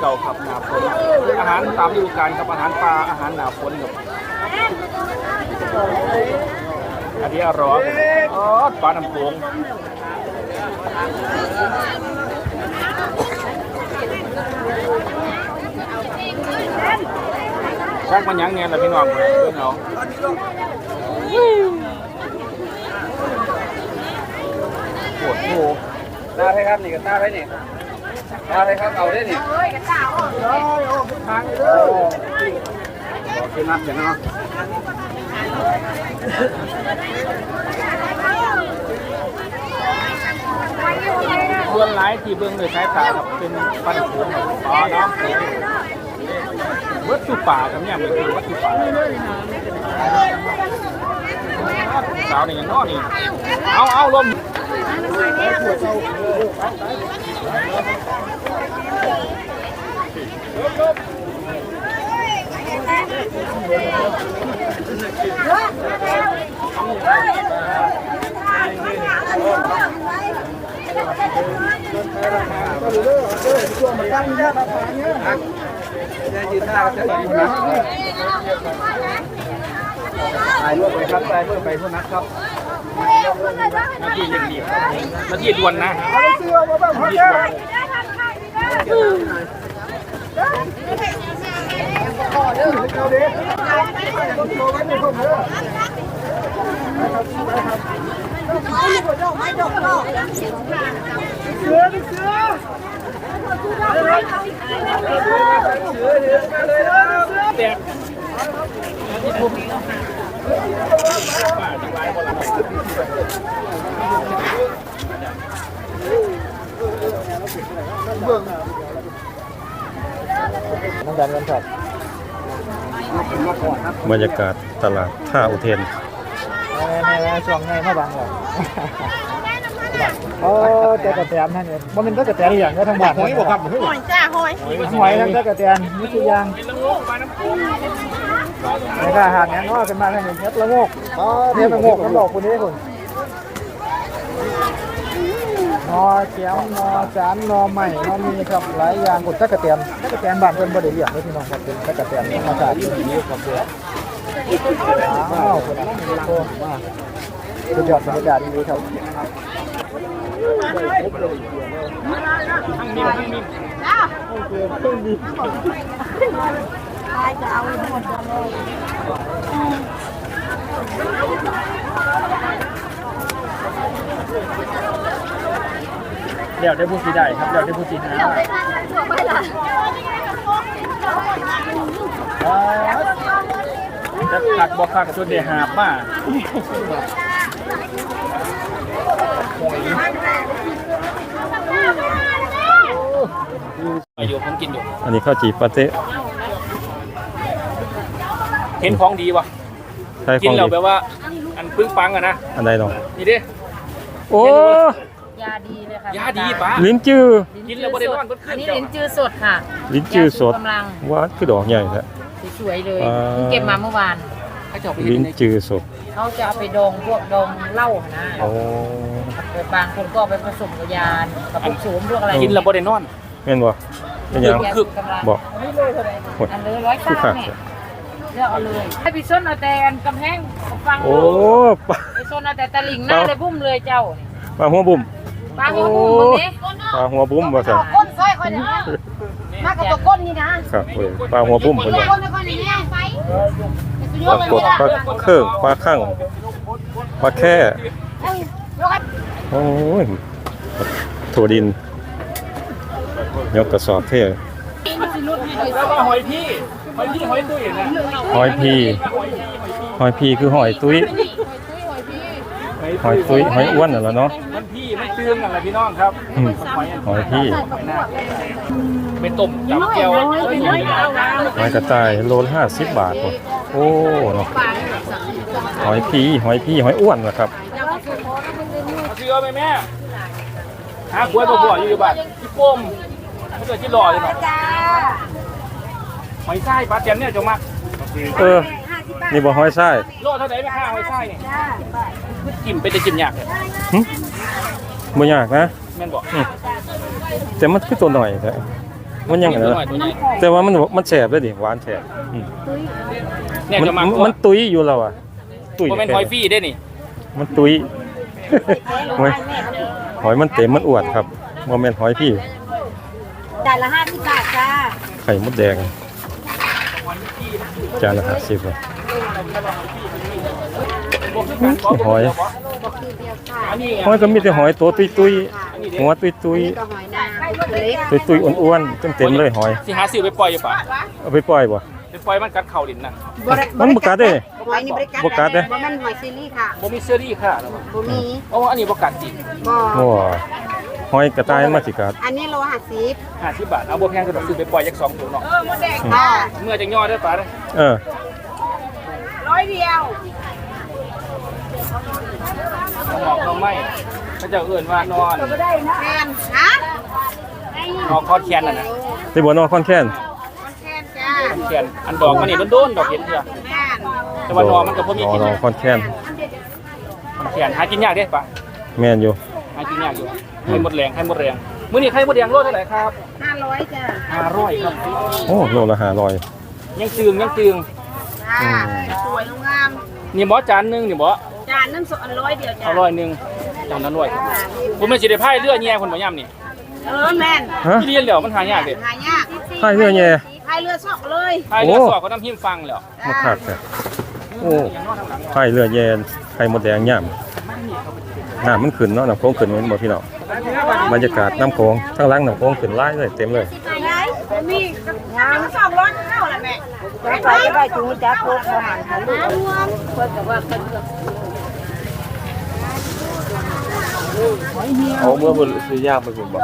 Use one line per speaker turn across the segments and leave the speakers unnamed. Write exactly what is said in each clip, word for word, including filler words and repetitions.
ก่าครับหนาฝนอาหารตามฤดูกาลครับอาหารปลาอาหารหนาฝนครับอันนี้อร่อยอ๋อปลาน้ำโขงชักมันยังเนี่ยแหละพี่น้องเพื่อนเราปวดโผตาให้ครับนี่กับตาให้นี่ตาให้ครับเอาได้นี่เฮ้ยกับตาออกเลยออกทางเลยขอขึ้นนับอย่างนั้นส่วนหลายที่เบื้องโดยสายตาครับเป็นปันผงอ๋อน้ำวัตถุป่าครับเนี่ยมันคือวัตถุป่าสาวนี่ยังนอนนี่เอาเอาลมช่วงมันตั้งเยอะมาผ่านเยอะจะยืนหน้าจะยืนหน้าถ่ายรูปไปครับถ่ายรูปไปทุกนัดครับนาทีเร่งรีบนาทีด่วนนะเสื้อมาบ้างเขาเนี่ยต่อเด้อเจ้าเด็กต้องโชว์ไว้ในคนเด้อไม่จบหรอกเสือเสือเสือเด็กที่ทุ่ม
บรรยากาศตลาดท่าอุเทน
ช่วงไงมาบางหรอโอ้เจ้ากระแตนนั่นเนี่ยมันเป็นเจ้ากระแตนอย่างก็ทั้งบ้านหอยบอกครับหอยจ้าหอยหอยทั้งเจ้ากระแตนนี่คือยางในข้าหาดนี้ก็เป็นมาทางนี้เฮ็ดละโงกอ๋อเฮ็ดละโงกน้ำดอกคนนี้คนนอเขียวนอสารนอใหม่นอมีครับหลายอย่างกดเจ้ากระแตนเจ้ากระแตนบ้านเพิ่นบ่ได้เลี้ยงเลยพี่น้องครับเป็นเจ้ากระแตนธรรมชาติที่ดีครับเด้ออ้าวคนนั้นโอ้มาสุดยอดบรรยากาศดีครับ
ทั้งมีทั้งมีโอเคทั้งมีตายจะเอาหมดเลยเดี๋ยวได้พูดสีได้ครับเดี๋ยวได้พูดสีหาจะขัดบอกขัดจนเดือดหาบมาอยู่ผมกินอยู่
อันนี้ข้าวจีปาเต้
เห็นของดีวะกินแล้วแปลว่าอันปึ้งปังอะนะ
อันใดน้อง
นี่ดิ
โอ้
ยาดีเลยค่ะ
ยาดีป้า
ลิ้นจื้อ
กินแล้วบ่ได้นอนเพิ่นขึ้น
อันนี้ลิ้นจื้อสดค่ะ
ลิ้นจื้อสดหวานคือดอกใหญ่แท้
สวยเลยเก็บมาเมื่อวาน
ลิ้นจื้อสด
เขาจะเอาไปดองพวกดองเหล้านะ
โอ้
บางคนก็เอาไปผสมกับยากับพวกโสมพวกอะไร
กินแล้วบ่ได้นอน
แม่นบ่เป็นหยังบอก
อันเลยร้อยเก้าเนี่ยเลือกเอาเลยให้พี่ส้นเอาแต่กำแพงฟัง
โอ้
พี่ส้นเอาแต่ตะลิงหน้าเลยบุ้มเลยเจ้า
ปลาหัวบุ้ม
ปลาหัวบุ้มตรงนี้
ปลาหัวบุ้มว่าซั่น
ก้นซอยคนนี้มากับตัวก้นนี่นะครับ
เว้ยปลาหัวบุ้มคนนี้ปลากดปลาเคิ่งปลาคั่งปลาแค่โอ้ยถั่วดินยกกระสอบเท่
แล้วก็หอยพี่หอยพี่หอยตุ้ยนะ
หอยพีหอยพีคือหอยตุ้ยหอยตุ้ยหอยอ้วนน่ะแล้วเนาะ
มันพี่ไม่ตื้มอะไรพี่น้องครับ
หอยพี่
เป็นต้มจับแก้ว
หอยกระต่ายโลละห้าสิบบาทโอ้เนาะหอยพีหอยพีหอยอ้วนนะครับ
เชื่อไหมแม่หาขวดบ่ๆอยู่บ้านที่ป้มถ้าเกิดที่รอเลยเนาะหอยไส้ปลาเต็มเนี่ยจงมา
เออนี่บ่หอยไส้
โลเท่าไหร่ไม่ค่าหอยไส้เนี่ยจิ้มไปจะจิ้มยากเลย
บ่ยากนะ
แม่นบอก
แต่มันคือตัวหน่อยแท้มันยังไง
ตัว
นะ
น้อยตัวใหญ่
แต่ว่ามันมันแสบเลยดิหวานแสบอืม
เนี่ย
มัน
จะมา
มันตุยอยู่แล้วอ่ะตุย
บ่แม่นหอยฟรีได้นี่
มันตุย หอยหอยมันเต็มมันอวดครับโมเมนหอยพี่
จานละห้าสิบบาทจ้า
ไข่มดแดงจานละห้าสิบเลยหอย
อันนี้
หอยก็มีแต่หอยตัวตุยตุยๆหัวตุยตุย
ก็หอยนางเล็ก
ตุยตุยๆอ้วนๆเต็มเต็มๆเลยหอย
สิหาซื้อไปปล่อยอยู่ป่ะ
เอาไปปล่อยบ่
ไปปล่อยมันกัดเข่าดินน่ะ
มันบ่กัดเด้
หอยนี่บริการ
บ่กัดเด้
บ่แม่นหอยซีรีส์ค่ะ
บ่มีเสื้อรี่ค่ะแล้วบ่
บ่มี
อ๋ออันนี้บ่กัดจริง
บ่
โอ้หอยกระต่ายมันมาสิกัด
อันนี้โลห้าสิบ
ห้าสิบบาทเอาบ่แพงก็ต้องซื้อไปปล่อยจักสองตัวเนาะ
ค่ะ
เมื่อจังย่อได้ป่ะเด้อ
เออ
ร้อยเดียว
หอกเราไม่เขาจะเอื่นว่านอน
แม่นฮะ
หอกคอดแขนน่ะนะ
ที่บ่นอนคอนแค้น
มันแค่นจ้า
แขนอันดอกมันนี่โดนๆดอกเห็นเถอะ
แม่น
แต่ว่านอนมันก็บ่มีกิน
นอนคอนแค้น
แขนหากินยากเด้ป่ะ
แม่นอยู่
หากินยากอยู่ไข่มดแรงไข่มดแรงมื้อนี้ไข่มดแดงโลเท่าไหร่ครับ
ห้าร้อยจ้า
ห้าร้อยครับ
โอ้โลละห้าร้อย
ยังจึงยังจึง
จ้าสวยงาม
นี่บ่จานหนึงนี่บ่
จานนึงสองร้อยเดียวจ้า
เอาร้อยหนึงจานละร้อยครับผมไม่สิได้พายเรือแย่คนบ่ย่ำนี่
เออแม่น
ฮะ
ที่เรียนแล้วมันหายากเด้
หายาก
พายเรือแย่
พายเรือสอกเลย
พายเรือ
โอ้
สอบก็น้ำหิมฟังแล้ว
มาคักแท้โอ้พายเรือแย่ไข่มดแดงย่ำน้ำมันขึ้นเนาะน้ำโค้งขึ้นเหมือนบ่พี่น้องบรรยากาศน้ำโค้งข้างหล่างน้ำโค้งขึ้นหลายเลยเต็มเลย
มีมีสองร้อยเข้าแหละแม่ไปไปจุงจับพวกอาหารทะเลเพื่อกับว่าเพิ่น
เอาเมื่อบ่ซื้อยากไปผมบอก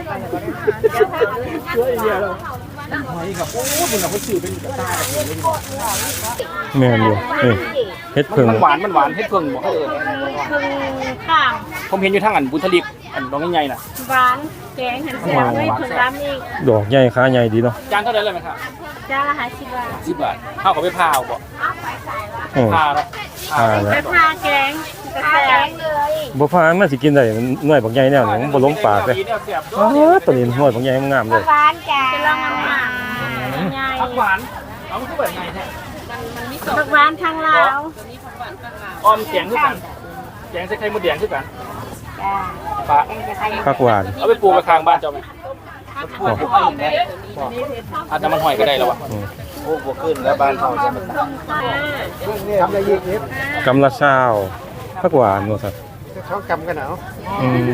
แม่นอยู่นี่เฮ็ดเพิ่ง
มันหวานมันหวานเฮ็ดเพิ่งบ่เขาเอิ้น
ข้าง
ผมเห็นอยู่ทางอันบุญทลิกอันดอกใหญ่ๆน่ะ
หวานแกงหันเสียไม่ถึงร้านอีก
ดอกใหญ่ขาใหญ่ดีเนาะ
จานเท่าไหร่เลยไหมครับ
จ้าละห้าสิบบาท
สิบบาทเฮาก็ไปพาวบ่
โอ้
พาแล้ว
พาแล้ว
ไปพาแกงกระแสเลย
บ่พามันสิกินได้มันหน่วยบักใหญ่แนวนี้มันบ่ลงปากเลย
แนวเสียบ
อ๋อตัวนี้หน่วยบักใหญ่มันงามเลย
หวานจ้าจะลองมาใหญ่
ผักหวานเอามันคือแบบไงแท้
ผักหวานทางลาว
อ้อมแกงคือกันแกงใส่ไข่มดแดงคือกัน
จ้า
ปลา
ผักหวาน
เอาไปปลูกไว้ข้างบ้านเจ้าไหมปลูกปลูกเนี่ยอาจจะมันหอยก็ได้แล้ววะ
อืม
โอ้บ่ขึ้นแล้วบ้านเฮาจะมัน
ทำอะไรยี่สิบ
กำละซาวผักหวานว่าซั่น
เขากำกันเอา
อืม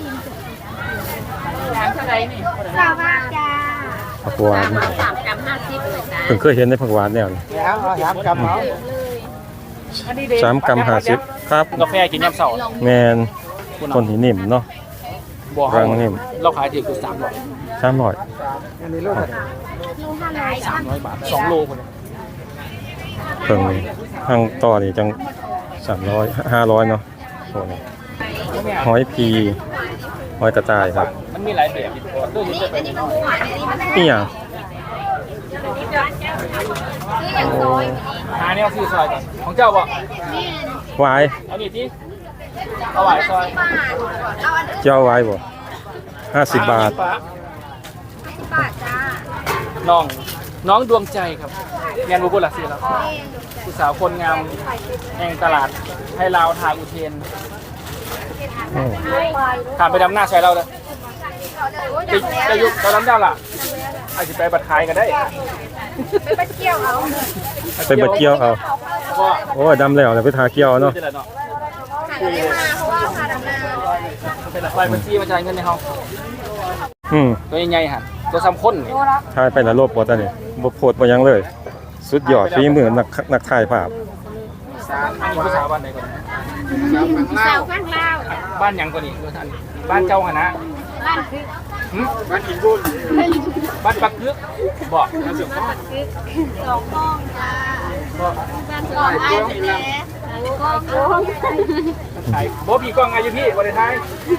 เท่าไหร่นี่สามบาทจ้า
ผักหวาน
สามกรัมห้าสิบเลยจ้า
เพิ่งเคยเห็นในผักหวานแนวนี้
เดี๋ยวเอาสามกำเอา
สามกรัมห้าสิบครับ
กาแฟกินยามเช้า
แมนต้นหินนิ่มเนาะ
บ่
รังนิ่ม
เราขายถือคือสามร้อย
สามร้อย
อันนี้ลูกอะไร
สามร้อยบาทสองโลคน
เพิ่งนี่ทางต่อนี่จังสามร้อยห้าร้อยเนาะโอ้นี่หอยพีหอยกระต่ายครับ
มันมีหลายแบบด้วยที่จะเป็น
นี่หยัง
หาแนวซื้อซอยก่อนของเจ้าบ่
วาย
เอานี่ที่เอาไว้ซอย
เจ้าไว้บ่ห้าสิบบาท
น้องน้องดวงใจครับงานบุบุหลักสี่แล้วผู้สาวคนงามแห่งตลาดให้ลาวทางอุเทน
โอ้
ถามไปดำหน้าใช้เราเลยจะจะยุบตอนนั้นเจ้าล่ะอาจจะไปบัดขายกันได้
ไปบัดเกี่ยวเอา
ก็
โอ้ยดำแล้วแล้วไปทาเกี่ยวเนาะ
เป็นไรเนาะเป็นอะไรบัญชีมาจ่ายเงินในห้อง
อืม
ตัวใหญ่ๆหันตัวซ้ำข้นนี่
ทายไปละโลบบ่ตานี่บ่โพดบ่หยังเลย สุดยอดฝีมือนักนักถ่ายภาพ
อันนี้ผู้สาวบ้านไหนก่อน
สาวข้างลาว
บ้านหยังก่อนนี่ท่านบ้านเจ้าหนะ
บ้านคือ
บ้านอินบุญบ้านปักกึกบอกนะสิ
สองห้องจ้าบ้านสองไอ้แม่กองกอง
ไอ้โบพี่กล้องไงอยู่พี่วันท้าย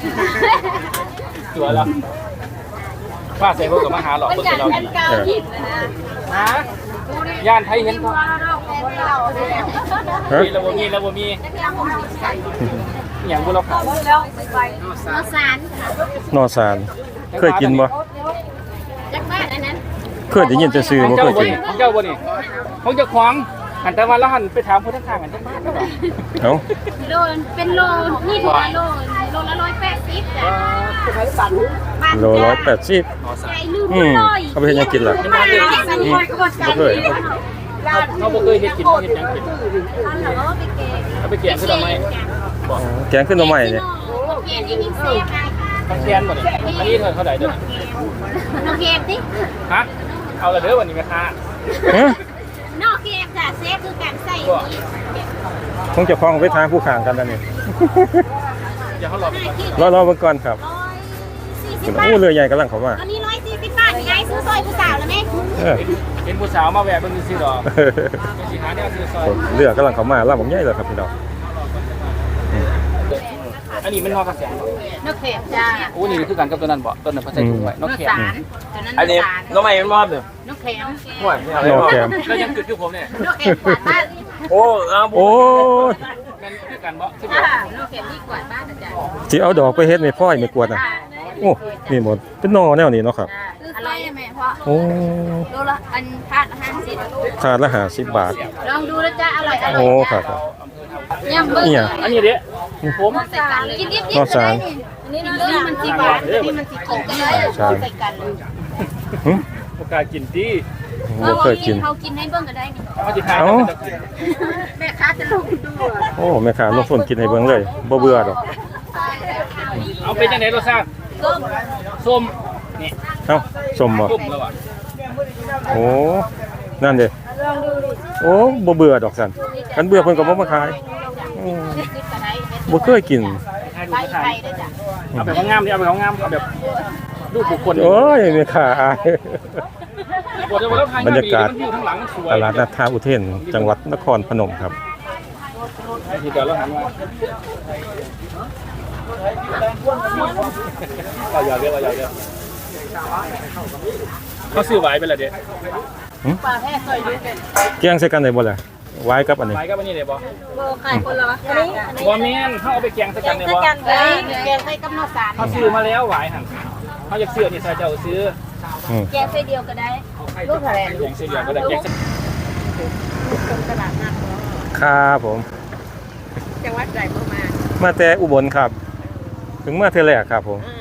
ตัวแล้วป้าใส่พวกกับมาหาหลอกคนเราดี
เก้าหินนะ
ฮะย่านไทยเห็นก็
ฮะ
มีแล้วบ่มีแล้วบ่มีอย่างบุเราขาย
น้องสาร
นอสารเคยกินบ่
จากบ้านอันนั้น
เคยได้ยินแต่ชื่อ
ของ
บ่
เจ้า
เคย
บ่
กิน
นี่ของเจ้าบ่นี่ของเจ้าของหันแต่ว่าแล้วหันไปถามคนข้างๆกันจังบ้านได้บ่
เอ้า
โลเป็นโลนี่ถึงโลโลละร้อยแปดสิบจ้ะ
โลร้อยแปดสิบ
ใจลืม
อืม
เลย
เอาไปเฮ็ดหยังกินล่ะ
มาเลยสังคมก็ใจ
บ่เคย
เขาบ่เคยเฮ็ดกินเฮ็ดหยังกิน
เอาไปเกะ
เอาไปแกงคือทำไม
อ๋อแกงขึ้นมาใหม่เนี่ย
เกะที่มีเสียไง
ต้องแคนบ่นี่อันนี้เท่าเท่าไหร่เด้อ
น้องเกะดิ
ฮะเอาละเด้อวันนี้แม่ค้า
ฮะ
นอกเกะจ้ะเซฟคือการใส่
คงจะคล้องไปทางผู้ข้างกันนั่นนี่
อย่าเขาหลอก
รอรอเบิ่งก่อนครับ
สี่สิบบาท
โอ้เรือใหญ่กำลังเข้ามา
อันนี้ร้อยสี่สิบบาทยายซื้อซอยผู้สาวแล้วแม่
เออ
เห็นผู้สาวมาแวะเบิ่งซื่อๆดอกสิหาแนวซื้อซอย
เรือกำลังเข้ามาลำบักใหญ่เลยครับพี่น้อง
อันนี้มันนอกกระแสบ่
นกเข็มจ้า
โอ้นี่คือกันกับตัวนั้นบ่ตัวนั้นเพิ่นใส่ถุงไว้นกแขม
อันนี้น้องใหม่มันมอบเลย
นกเข็ม
ห่วยไม่เอา
นอกแกม
แล้วยังจุดอยู่ผมเนี่ย
นกเข็มกวาดบ้าน
โอ้เอา
โอ้ย
แม่นคือกันบ่คือ
จ้า
เดียวน
กเข็มนี่กวาดบ้านนะจ้า
สิเอาดอกไปเฮ็ดไม่พ่อยไม่กวดน่ะโอ้นี่หมดเป็นหนอแนวนี้เนาะครับ
อร่อยไหมพ่อ
โอ้
โลละอันพาดห้าสิบ
ถาดละห้าสิบบาท
ลองดูนะจ้าอร่อยอร่อย
โอ้ครับ
ยังเบิ้ง
เนี่ย
อันนี้เด้ผม
ใส่กันเลยกินดิบดิ
นอกสาร
อันนี้นี่มันสีหวานนี่มันสีขมกันเลยใส่กันเลย
หึ
บ่กล้ากินติ
บ่เคยกิน
เขากินให้เบิ้งก็ได้นี่
เขาสิทาย
เอ้า
แม่ค้าจะลงดู
โอ้แม่ค้าลงทุนกินให้เบิ่งเลยบ่เบื่อดอก
เอาเป็นจังได๋รสชาติ
ส้ม
ส้มนี่
เอ้าสมบ่
ส้มแล้วอ่ะ
โอ้นั่นเด้โอ้บ่เบื่อดอกสันกันเบื่อเพิ่นก็บ่มาขายอืมบ่เคยกิน
ทายดู
ไป
ทาย
ไปด้วยจ้ะ
เอาแบบงามๆดิเอาแบบงามๆเอาแบบรูปบุคคล
โอ้ยแม่ค้าอาย
บร
บรรยากาศ
มันอยู่ข้างหลังมันสวย
ตลาดนัดท่าอุเทนจังหวัดนครพนมครับ
ทีเดียวแล้วหันมาเอาอย่าเรียกเอาอย่าเรียกเขาซื้อไว้เป็นไรเด็ด
ปลาแห้ซอยดูเป็น
เกี่ยงใส่กันได้บ่ล่ะไว้กับอันนี้
ไว้ก็วันนี้เลยบอ
โบไข่คนละอันนี้อันนี้
บอแมนเขาเอาไปแกงสักกันเลยบอ
กันเลยแกงใส่กับนอกสาร
เขาซื้อมาแล้วไหวหันเขาอยากซื้อนี่ใส่เจ้าซื้อ
อืม
แกงใส่เดียวก็ได้ลูกแถลง
แกงซื้อเดียวก็ได้แกงใส่
ตลาดนัด
ครับผม
จังหวัดใดเมื่อมา
มาแต่อุบลครับ ถึงมาเทื่อแรกครับผม
อ่า